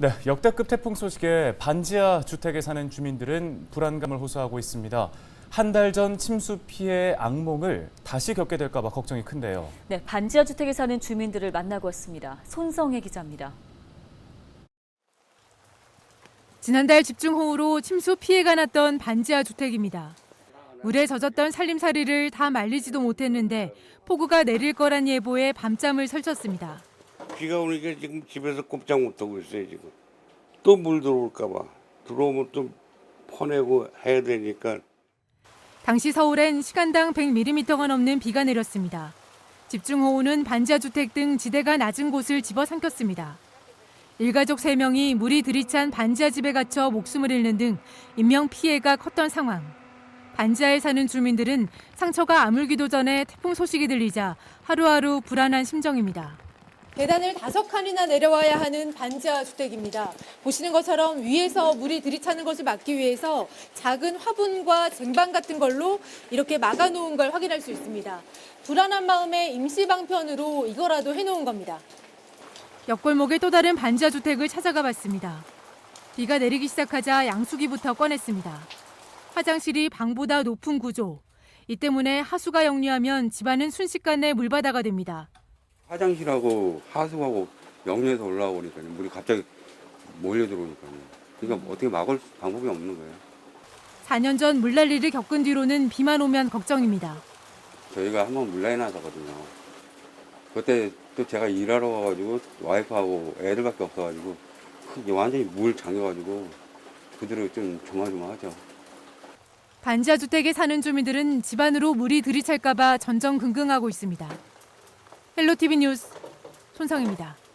네, 역대급 태풍 소식에 반지하 주택에 사는 주민들은 불안감을 호소하고 있습니다. 한 달 전 침수 피해 악몽을 다시 겪게 될까 봐 걱정이 큰데요. 네, 반지하 주택에 사는 주민들을 만나고 왔습니다. 손성혜 기자입니다. 지난달 집중호우로 침수 피해가 났던 반지하 주택입니다. 물에 젖었던 살림살이를 다 말리지도 못했는데 폭우가 내릴 거란 예보에 밤잠을 설쳤습니다. 비가 오니까 지금 집에서 꼼짝 못하고 있어요, 지금. 또 물 들어올까 봐. 들어오면 또 퍼내고 해야 되니까. 당시 서울엔 시간당 100mm가 넘는 비가 내렸습니다. 집중호우는 반지하 주택 등 지대가 낮은 곳을 집어삼켰습니다. 일가족 3명이 물이 들이찬 반지하 집에 갇혀 목숨을 잃는 등 인명 피해가 컸던 상황. 반지하에 사는 주민들은 상처가 아물기도 전에 태풍 소식이 들리자 하루하루 불안한 심정입니다. 계단을 5칸이나 내려와야 하는 반지하 주택입니다. 보시는 것처럼 위에서 물이 들이차는 것을 막기 위해서 작은 화분과 쟁반 같은 걸로 이렇게 막아놓은 걸 확인할 수 있습니다. 불안한 마음에 임시 방편으로 이거라도 해놓은 겁니다. 옆골목의 또 다른 반지하 주택을 찾아가 봤습니다. 비가 내리기 시작하자 양수기부터 꺼냈습니다. 화장실이 방보다 높은 구조. 이 때문에 하수가 역류하면 집안은 순식간에 물바다가 됩니다. 화장실하고 하수하고 역류해서 올라오니까요. 물이 갑자기 몰려 들어오니까요. 그러니까 어떻게 막을 방법이 없는 거예요. 4년 전 물난리를 겪은 뒤로는 비만 오면 걱정입니다. 저희가 한번 물난리 나서거든요. 그때 또 제가 일하러 가가지고 와이프하고 애들밖에 없어가지고 완전히 물 잠겨가지고 그대로 좀 조마조마하죠. 반지하 주택에 사는 주민들은 집안으로 물이 들이찰까 봐 전전긍긍하고 있습니다. 헬로티비 뉴스 손성입니다.